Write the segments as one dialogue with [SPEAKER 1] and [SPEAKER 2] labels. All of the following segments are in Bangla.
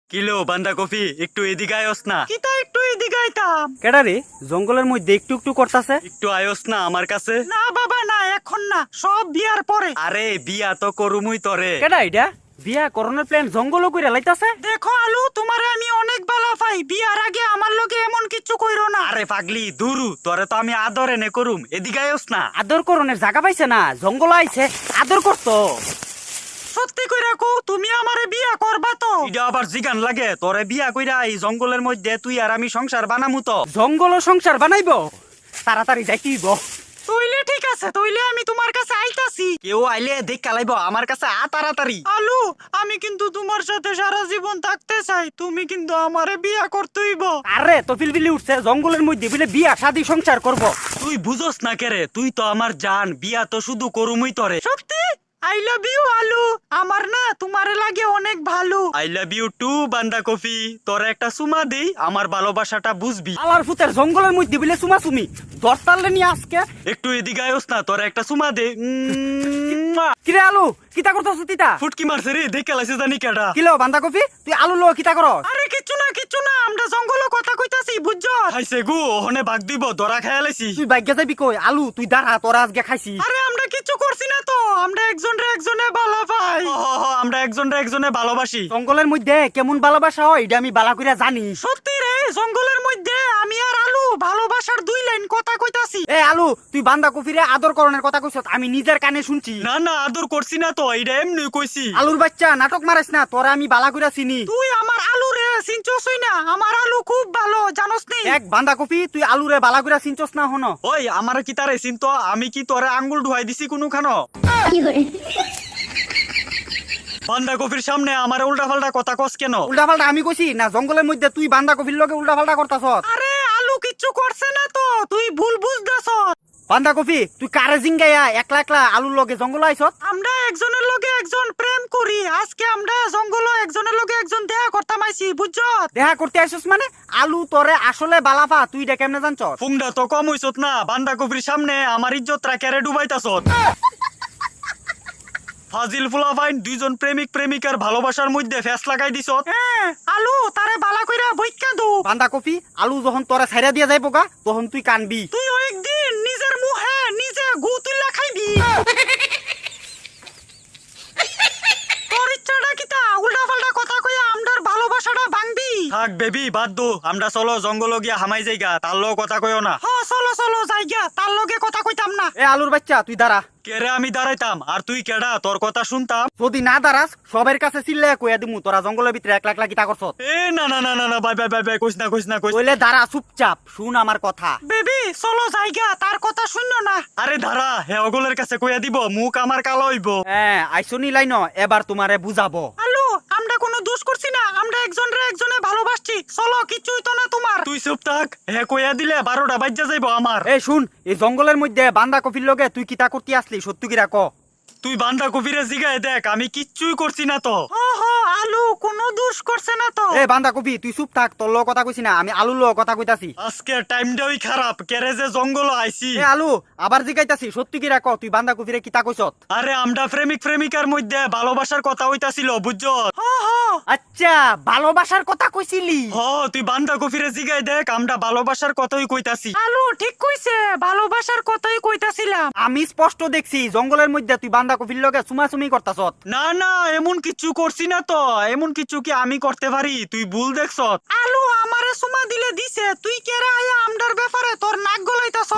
[SPEAKER 1] কিলো বান্ধাকপি একটু এদিকে আয়োস না।
[SPEAKER 2] কিতা একটু এদিকে আইতাম।
[SPEAKER 3] কেডা রে জঙ্গলের মধ্যে একটু একটু করতাছে?
[SPEAKER 1] একটু আয়োস না আমার কাছে।
[SPEAKER 2] না বাবা না, এখন না, সব বিয়ার পরে।
[SPEAKER 1] আরে বিয়া তো করুমুই তরে।
[SPEAKER 3] কেডা এটা বিয়া করণের প্ল্যান জঙ্গলও কইরা লাইতাছে?
[SPEAKER 2] দেখো আলু, তোমারে আমি অনেক ভালো পাই, বিয়ার আগে আমার লগে এমন কিছু কইরো না।
[SPEAKER 1] আরে পাগলি দুরু, তরে তো আমি আদর এনে করুম, এদিকে আয়োস না।
[SPEAKER 3] আদর করণের জায়গা পাইছে না, জঙ্গল আইছে আদর করতো।
[SPEAKER 2] সত্যি কইরা কও, তুমি আমারে বিয়া করবা তো?
[SPEAKER 1] এটা আবার জিগান লাগে, তোরে বিয়া কইরা এই জঙ্গলের মধ্যে তুই আর আমি সংসার বানামু তো।
[SPEAKER 3] জঙ্গল সংসার বানাইবো, তাড়াতাড়ি যাইতেইব।
[SPEAKER 2] তইলে ঠিক আছে, তইলে আমি তোমার কাছে আইতাছি।
[SPEAKER 1] কেউ আইলে দেখ কালাইব আমার কাছে তাড়াতাড়ি।
[SPEAKER 2] আলু, আমি কিন্তু তোমার সাথে সারা জীবন থাকতে চাই, তুমি কিন্তু আমারে বিয়া করতেইব।
[SPEAKER 3] আরে তো ফিলবিলি উঠছে, জঙ্গলের মধ্যে বলে বিয়া শাদি সংসার করব।
[SPEAKER 1] তুই বুঝোস না কেরে, তুই তো আমার জান, বিয়া তো শুধু করুমুই তরে।
[SPEAKER 2] সত্যি? আই লাভ ইউ আলু, আমার না তোমারে লাগে অনেক ভালো।
[SPEAKER 1] আই লাভ ইউ টু বান্ধাকপি, তোর একটা সুমা দেই, আমার ভালোবাসাটা বুঝবি।
[SPEAKER 3] আলার ফুতের জঙ্গলের মধ্যে বলে সুমা সুমি দরতালে নিয়ে আজকে।
[SPEAKER 1] একটু এদিকে আয়োস না, তোর একটা সুমা দে।
[SPEAKER 3] কিরে আলু কিতা করতাছ তিতা?
[SPEAKER 1] ফুটকি মারছে রে, দেখে লাইছে জানি কেডা।
[SPEAKER 3] কিলো বান্ধাকপি তুই আলু লো কিতা করস?
[SPEAKER 2] আরে কিচ্ছু না কিচ্ছু না, আমরা জঙ্গলে কথা কইতাছি বুঝছো?
[SPEAKER 1] খাইছে গু, ওহনে বাগ দিব, ধরা খাইয়া লাইছি।
[SPEAKER 3] তুই বাইকে যাবি কই? আলু তুই দাঁড়া, তোরা আজকে খাইছি।
[SPEAKER 2] আরে আমরা কিচ্ছু করছি না তো, আমরা একজনে ভালো পাই।
[SPEAKER 1] আমরা একজনে ভালোবাসি।
[SPEAKER 3] জঙ্গলের মধ্যে কেমন ভালোবাসা হয় এটা আমি বালা কইরা জানি।
[SPEAKER 2] সত্যি রে, জঙ্গলের মধ্যে আমি আর আলু ভালোবাসার দুই লাইন কথা কইতাছি।
[SPEAKER 3] এ আলু তুই বান্ধাকপিরে আদর করণের কথা কইছ, আমি নিজের কানে শুনছি।
[SPEAKER 1] না না, আদর করছি না তো, এইটা এমনি কইছি।
[SPEAKER 3] আলুর বাচ্চা নাটক মারাস না, তোরা আমি বালা কইরা চিনি।
[SPEAKER 2] তুই আমার আলু রে চিনছসই না, আমার আলু খুব ভালো জানোস নি?
[SPEAKER 3] এক বান্ধাকপি তুই আলুরে বালা কইরা চিনছস না হনো?
[SPEAKER 1] ওই আমার কি তারে চিন্ত, আমি কি তোরে আঙ্গুল ঢুয়াই দিছি কোনো খানো? বান্ধাকপির সামনে আমার উল্টা পাল্টা কথা কস কেন?
[SPEAKER 3] উল্টা পাল্টা আমি কইছি না, জঙ্গলের মধ্যে তুই বান্ধাকপির লগে উল্টা পাল্টা করতাছস।
[SPEAKER 2] আরে আলু কিচ্ছু করছে না তো, তুই ভুল বুঝতাছস।
[SPEAKER 3] বান্ধাকপি তুই কারে জিঙ্গাইয়া একলা একলা আলুর লগে জঙ্গল আইছত?
[SPEAKER 2] আমরা একজনের লগে একজন প্রেম করি, আজকে আমরা জঙ্গলে একজনের লগে একজন দেখা করতাম আইছি বুঝছো?
[SPEAKER 3] দেখা করতে আইছস মানে? আলু তোরে আসলে বালাফা, তুই এটা কেমনে জানছস?
[SPEAKER 1] ফুংডা তো কম হইছত না, বান্ধাকপির সামনে আমার ইজ্জত রাখারে ডুবাইতাছত। ফাজিল ফুলাফাইন দুইজন প্রেমিক প্রেমিকার ভালোবাসার মধ্যে ফেস লাগাই দিছত।
[SPEAKER 2] হ্যাঁ আলু, তারে বালা কইরা বইক্কা দো।
[SPEAKER 3] বান্ধাকপি আলু যখন তোরা ছাইরা দিয়া যাইবো গা, তখন তুই কানবি।
[SPEAKER 2] তুই একদিন নিজের মুখে নিজে গু তুইলা খাইবি। তোর ইচ্ছাটা কিতা? উল্টা পাল্টা কথা কইয়া আমরার ভালোবাসাটা ভাঙবি?
[SPEAKER 1] থাক বেবি বাদ দো, আমরা চলো জঙ্গল গিয়া হামাই যাইগা, তার লও কথা কইও না।
[SPEAKER 2] হ চলো চলো যাইগা, তার লগে কথা কইতাম না।
[SPEAKER 3] এ আলুর বাচ্চা তুই দাঁড়া।
[SPEAKER 1] কেরে আমি দাঁড়াইতাম আর তুই কেডা, তোর কথা শুনতাম।
[SPEAKER 3] যদি না দাঁড়াস সবের কাছে চিল্লায় কইয়া দিমু তোরা জঙ্গলের ভিতরে একলা একলা কিতা করছত।
[SPEAKER 1] এ না না না না না, বাই বাই বাই বাই, কইস না কইস না কইস।
[SPEAKER 3] কইলে দাঁড়া, চুপচাপ শুন আমার কথা।
[SPEAKER 2] বেবি চলো যাইগা, তার কথা শুনো না।
[SPEAKER 1] আরে ধারা হে অগলের কাছে কইয়া দিব, মুখ আমার কালো হইব।
[SPEAKER 3] হ্যাঁ আইসনি লাইন, এবার তোমারে বুঝাবো।
[SPEAKER 2] আলু, আমরা কোনো দোষ করছি না, আমরা একজনে ভালোবাসছি, চলো কিচ্ছুই তো না তোমার।
[SPEAKER 1] তুই চুপ থাক, হে কইয়া দিলে 12টা বাজ্যা যাইব আমার।
[SPEAKER 3] এই শুন, এই জঙ্গলের মধ্যে বান্ধাকপির লগে তুই কিতা করতে আসলি, সত্যি কিরা ক।
[SPEAKER 1] তুই বান্ধাকপিরে জিগায় দেখ, আমি কিচ্ছুই করছি না তো।
[SPEAKER 2] হ হ আলু কোনো দোষ করছে না তো।
[SPEAKER 3] এ বান্ধাকপি তুই চুপ থাক, তোর লগে কথা কইছি না, আমি আলুর লগে কথা কইতাছি।
[SPEAKER 1] আজকে টাইমটাই খারাপ, কেরে যে জঙ্গল আইছি।
[SPEAKER 3] এ আলু আবার জিগাইতাছি, সত্যি কিরা ক, তুই বান্ধাকপিরে কিতা কইছত?
[SPEAKER 1] আরে আমরা প্রেমিক প্রেমিকার মধ্যে ভালোবাসার কথা হইতাছিল বুঝছো।
[SPEAKER 2] হ হ
[SPEAKER 3] আচ্ছা ভালোবাসার কথা কইছিলি?
[SPEAKER 1] হ তুই বান্ধাকপিরে জিগায় দেখ, আমরা ভালোবাসার কথাই কইতাছি।
[SPEAKER 2] আলু ঠিক কইছে, ভালোবাসার কথাই কইতাছিলাম।
[SPEAKER 3] আমি স্পষ্ট দেখছি জঙ্গলের মধ্যে তুই বান্ধাকপির লগে চুমাচুমি করতাছত।
[SPEAKER 1] না না, এমন কিছু করছি না তো, এমন কিছু কি আমি করতে পারি? তুই ভুল দেখছ।
[SPEAKER 2] আলু আমারে সুমা দিলে দিছে, তুই কেরে আয়া আমদার ব্যাপারে তোর নাক গলাইতাছ?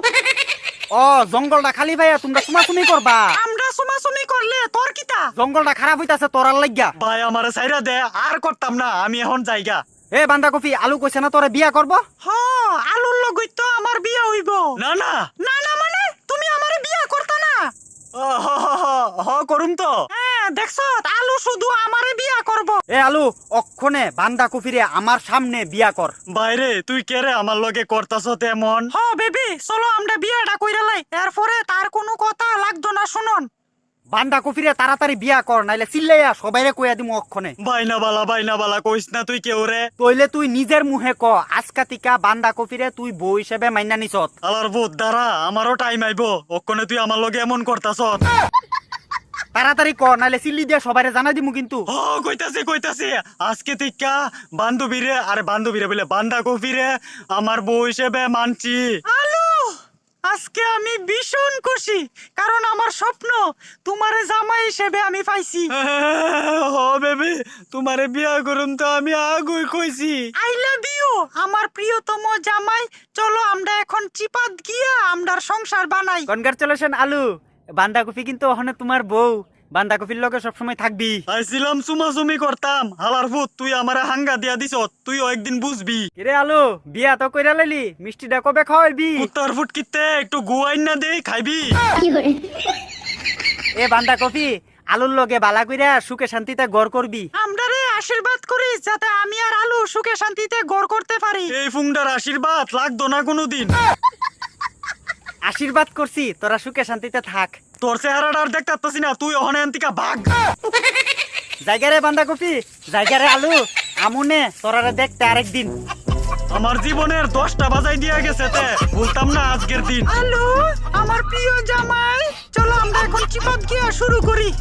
[SPEAKER 3] ও জঙ্গলটা খালি ভাইয়া তোমরা চুমাচুমি করবা?
[SPEAKER 2] আমরা সুমাসুমি করলে তোর কিতা?
[SPEAKER 3] জঙ্গলটা খারাপ হইতাছে তোরার লাগিয়া।
[SPEAKER 1] ভাই আমারে ছাইরা দে, আর করতাম না, আমি এখন যাইগা।
[SPEAKER 3] এ বান্ধাকপি আলু কইছে না তোরা বিয়া করব?
[SPEAKER 2] হ আলুর লগই তো আমার বিয়া হইব।
[SPEAKER 1] না না
[SPEAKER 2] না না মানে তুমি আমারে বিয়া করতা না?
[SPEAKER 1] হ হ হ হ, করুম তো।
[SPEAKER 2] হ্যাঁ দেখছ, আলু শুধু আমারে বিয়া করব।
[SPEAKER 3] এ আলু অক্ষণে বান্ধাকপিরে আমার সামনে বিয়া কর।
[SPEAKER 1] বাইরে তুই কেরে আমার লগে করতাছ তেমন?
[SPEAKER 2] হ বেবি চলো আমরা বিয়াটা কইরা লাই, এরপরে তার কোনো কথা লাগতো না। শুনুন
[SPEAKER 3] বান্ধাকপিরে তাড়াতাড়ি বিয়া কর, নাইলে চিল্লাইয়া সবাইরে কইয়া দিমু অক্ষণে।
[SPEAKER 1] বাইনা বালা কইস না তুই কেউ রে।
[SPEAKER 3] তইলে তুই নিজের মুহে ক, আজকা তিকা বান্ধাকপিরে তুই বউ হিসেবে মাইনা নিছত।
[SPEAKER 1] আলার ভূত দ্বারা আমারও টাইম আইব, ওখানে তুই আমার লগে এমন করতাছ।
[SPEAKER 3] তাড়াতাড়ি ক, নাহলে সিল্লি দিয়ে সবাই জানা দিমু কিন্তু।
[SPEAKER 1] ও কইতাছে আজকে থেকে বান্ধবীরে বলে বান্ধাকপিরে আমার বউ হিসেবে মানছি।
[SPEAKER 2] আলু, আজকে আমি ভীষণ খুশি, কারণ আমার স্বপ্ন তোমারে জামাই হিসেবে আমি পাইছি।
[SPEAKER 1] ও বেবি, তোমারে বিয়া করুম তো আমি আগুই কইছি।
[SPEAKER 2] আই লাভ ইউ আমার প্রিয়তম জামাই। চলো আমরা এখন চিপাত গিয়া আমরার সংসার বানাই।
[SPEAKER 3] কনগ্রাচুলেশন আলু, বান্ধাকপি কিন্তু ওখানে তোমার বউ, বান্ধাকপির লগে সবসময় থাকবি।
[SPEAKER 1] আইছিলাম চুমাচুমি করতাম, হালার ফুট তুই আমারে হাঙ্গা দিয়া দিছ, তুইও একদিন বুঝবি।
[SPEAKER 3] কিরে আলু, বিয়া তো কইরা লাইলি, মিষ্টিটা কবে খাওয়াইবি?
[SPEAKER 1] কুত্তার ফুট কিতে একটু গুয়াইন না দেই খাইবি।
[SPEAKER 3] এ বান্ধাকপি, আলুর লগে বালা কইরা সুখে শান্তিতে গড় করবি।
[SPEAKER 2] আমরারে আশীর্বাদ করিস যাতে আমি আর আলু সুখে শান্তিতে গড় করতে পারি।
[SPEAKER 1] এই ফুংটার আশীর্বাদ লাগতো না কোনোদিন।
[SPEAKER 3] আশীর্বাদ করছি তোরা সুখে শান্তিতে থাক।
[SPEAKER 1] তোর চেহারাটা আর দেখতে পাচ্ছি না, তুই ওখানে আনতিকা ভাগ।
[SPEAKER 3] জায়গারে বান্ধাকপি, জায়গারে আলু, আমুনে তোরারে দেখতে আরেকদিন।
[SPEAKER 1] আমার জীবনের 10টা বাজাই দিয়া গেছে, তে বলতাম না আজকের দিন।
[SPEAKER 2] আলু, আমার প্রিয় জামাই, চলো আমরা এখন চিপাত গিয়া শুরু করি।